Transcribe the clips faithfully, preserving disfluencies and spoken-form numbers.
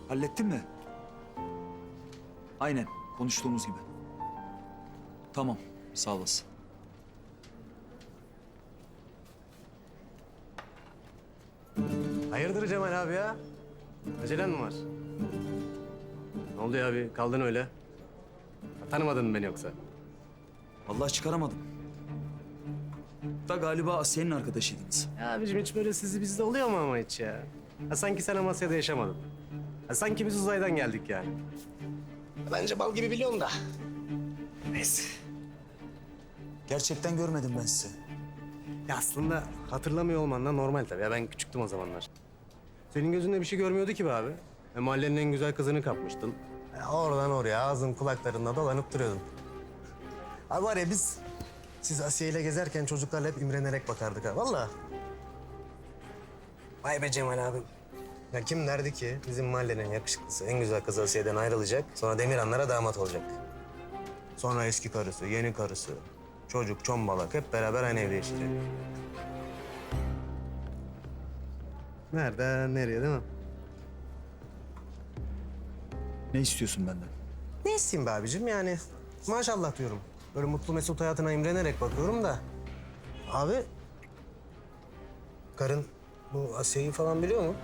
Hallettin mi? Aynen, konuştuğumuz gibi. Tamam, sağ olasın. Hayırdır Cemal abi ya? Acelen mi var? Ne oldu ya abi? Kaldın öyle. Tanımadın mı beni yoksa? Vallahi çıkaramadım. Da galiba Asiye'nin arkadaşıydınız. Ya abicim hiç böyle sizi bizde oluyor mu ama hiç ya? Ha, sanki sen Amasya'da yaşamadın. Ha, sanki biz uzaydan geldik yani. Bence bal gibi biliyorum da. Neyse. Gerçekten görmedim ben sizi. Ya aslında hatırlamıyor olman da normal tabii. Ya ben küçüktüm o zamanlar. Senin gözünde bir şey görmüyordu ki be abi. E, mahallenin en güzel kızını kapmıştın. Ya oradan oraya ağzın kulaklarında dolanıp duruyordun. Abi var ya biz, siz Asiye ile gezerken çocuklarla hep imrenerek bakardık ha. Vallahi. Vay be Cemal abi. Ya kim derdi ki bizim mahallenin yakışıklısı, en güzel kızı Asiye'den ayrılacak, sonra Demirhanlara damat olacak. Sonra eski karısı, yeni karısı, çocuk, çombalak hep beraber aynı evde yaşayacak. Nereden nereye değil mi? Ne istiyorsun benden? Ne isteyeyim be abicim yani maşallah diyorum. Böyle mutlu mesut hayatına imrenerek bakıyorum da. Abi, karın bu Asya'yı falan biliyor mu?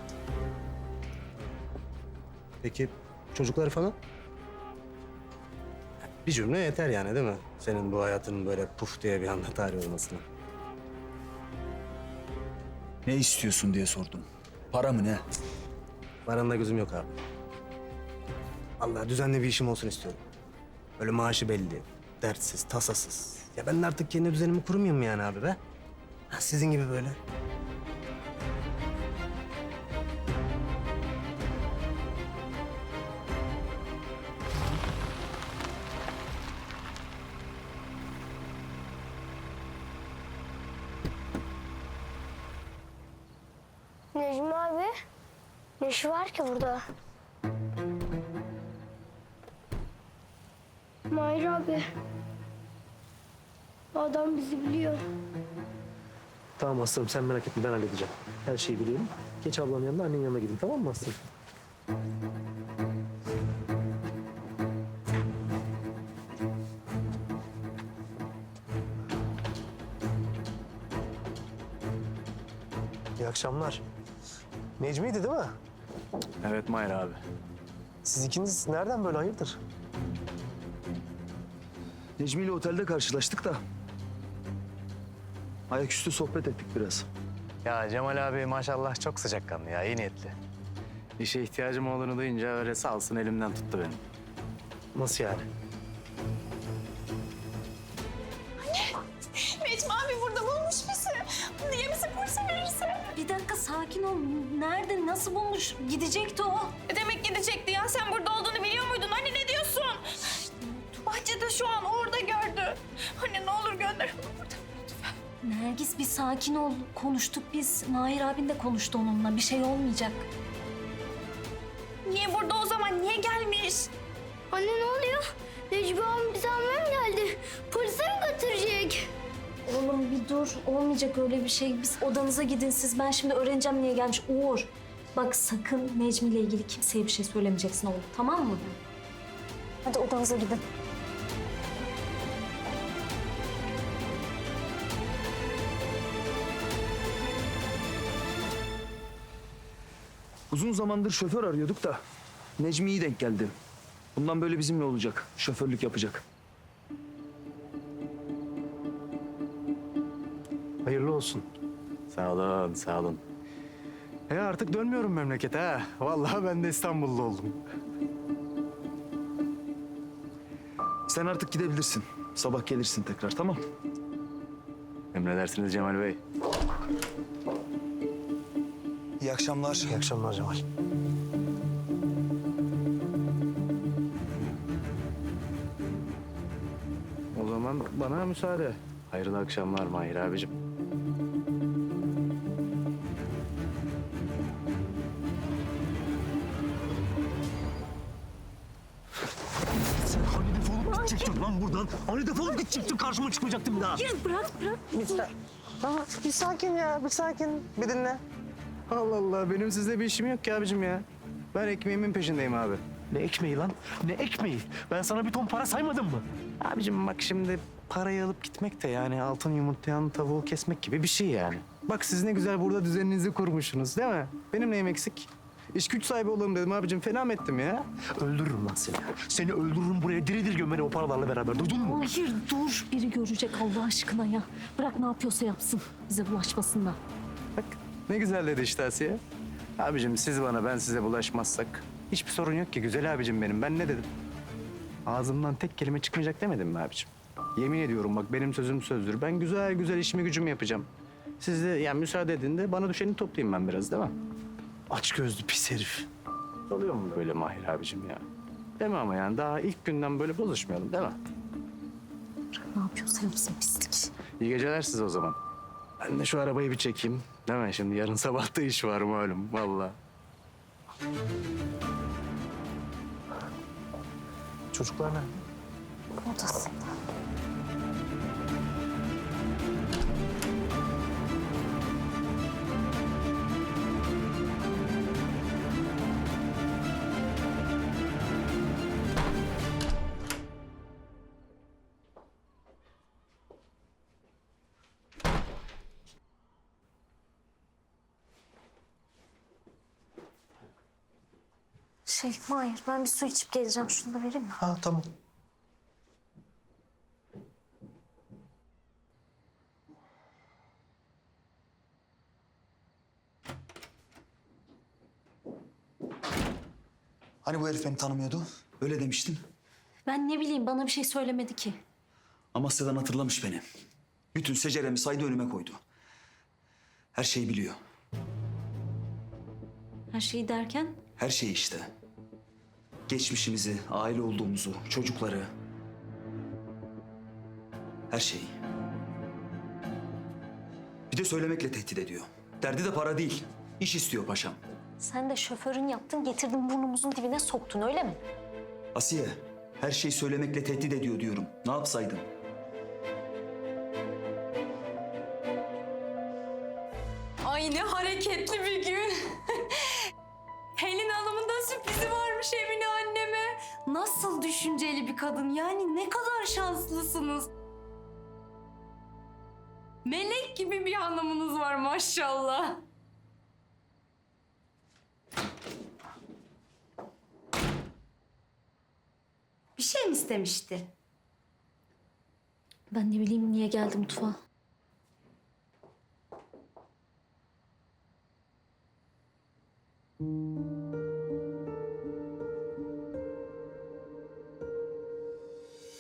Peki çocukları falan? Bir cümle yeter yani değil mi? Senin bu hayatının böyle puf diye bir anda tarih olmasına. Ne istiyorsun diye sordum. Para mı ne? Paranla gözüm yok abi. Allah düzenli bir işim olsun istiyorum. Böyle maaşı belli, dertsiz, tasasız. Ya ben de artık kendi düzenimi kurmayayım mı yani abi be? Ha, sizin gibi böyle. Necmi abi, ne işi var ki burada? Mahir abi, adam bizi biliyor. Tamam aslanım sen merak etme ben halledeceğim. Her şeyi biliyorum. Geç ablanın yanına annenin yanına gidin tamam mı aslanım? İyi akşamlar. Necmi'ydi değil mi? Evet Mahir abi. Siz ikiniz nereden böyle hayırdır? Necmi ile otelde karşılaştık da. Ayaküstü sohbet ettik biraz. Ya Cemal abi maşallah çok sıcakkanlı ya, iyi niyetli. İşe ihtiyacım olduğunu duyunca öyle sağ olsun elimden tuttu beni. Nasıl yani? Necmi abi burada bulmuş bizi. Niye bizi polise verirse? Bir dakika sakin ol. Nerede, nasıl bulmuş? Gidecekti o. E demek gidecekti ya. Sen burada olduğunu biliyor muydun? Anne ne diyorsun? Bahçede şu an orada gördü. Anne ne olur gönder onu buradan lütfen. Nergis bir sakin ol. Konuştuk biz. Mahir abin de konuştu onunla. Bir şey olmayacak. Niye burada o zaman? Niye gelmiş? Anne ne oluyor? Necmi abi bizi almaya mı geldi? Polise mi götürecek? Oğlum bir dur. Olmayacak öyle bir şey. Biz odanıza gidin siz. Ben şimdi öğreneceğim niye gelmiş. Uğur. Bak sakın Necmi ile ilgili kimseye bir şey söylemeyeceksin oğlum. Tamam mı? Hadi odanıza gidin. Uzun zamandır şoför arıyorduk da Necmi iyi denk geldi. Bundan böyle bizimle olacak. Şoförlük yapacak. Hayırlı olsun. Sağ olun, sağ olun. Ya artık dönmüyorum memlekete ha. Vallahi ben de İstanbullu oldum. Sen artık gidebilirsin. Sabah gelirsin tekrar, tamam? Emredersiniz Cemal Bey. İyi akşamlar. İyi akşamlar Cemal. O zaman bana müsaade. Hayırlı akşamlar Mahir abicim. Sen hani defolup gidecektin lan buradan? Hani defolup gidecektin karşıma çıkmayacaktın bir daha? Ya bırak bırak. Tamam bir sakin ya bir sakin bir dinle. Allah Allah benim sizle bir işim yok ki abicim ya. Ben ekmeğimin peşindeyim abi. Ne ekmeği lan? Ne ekmeği? Ben sana bir ton para saymadım mı? Abicim bak şimdi parayı alıp gitmek de yani altın yumurtlayan tavuğu kesmek gibi bir şey yani. Bak siz ne güzel burada düzeninizi kurmuşsunuz değil mi? Benim neyim eksik? İş güç sahibi olalım dedim abicim. Fena mı ettim ya? Öldürürüm lan seni. Seni öldürürüm, buraya diri diri gömerim o paralarla beraber. Duydun mu? Hayır dur. Biri görecek Allah aşkına ya. Bırak ne yapıyorsa yapsın. Bize bulaşmasınlar. Bak ne güzel dedi işte Asiye. Abicim siz bana ben size bulaşmazsak hiçbir sorun yok ki güzel abicim benim. Ben ne dedim? Ağzımdan tek kelime çıkmayacak demedim mi abicim? Yemin ediyorum bak benim sözüm sözdür. Ben güzel güzel işimi gücümü yapacağım. Siz de yani müsaade edin de bana düşeni toplayayım ben biraz değil mi? Aç gözlü pis herif. Oluyor mu böyle Mahir abicim ya? Değil mi ama yani daha ilk günden böyle bozuşmayalım değil mi? Ne yapıyorsa yapsın pislik. İyi geceler size o zaman. Ben de şu arabayı bir çekeyim. Değil mi? Şimdi yarın sabah da iş var malum vallahi. Çocuklar nerede? Odasında. Şey Mahir ben bir su içip geleceğim. Şunu da vereyim mi? Ha tamam. Hani bu herif beni tanımıyordu? Öyle demiştin. Ben ne bileyim bana bir şey söylemedi ki. Amasya'dan hatırlamış beni. Bütün seceremi saydı önüme koydu. Her şeyi biliyor. Her şeyi derken Her şeyi işte. Geçmişimizi, aile olduğumuzu, çocukları. Her şeyi. Bir de söylemekle tehdit ediyor. Derdi de para değil. İş istiyor paşam. sen de şoförün yaptın getirdin burnumuzun dibine soktun öyle mi? Asiye, her şeyi söylemekle tehdit ediyor diyorum. Ne yapsaydım? Ay ne hareketli bir gün. Helin Hanım'ın da sürprizi varmış Emine anneme. Nasıl düşünceli bir kadın. Yani ne kadar şanslısınız. Melek gibi bir hanımınız var maşallah. Bir şey mi istemişti? Ben ne bileyim niye geldi mutfağa.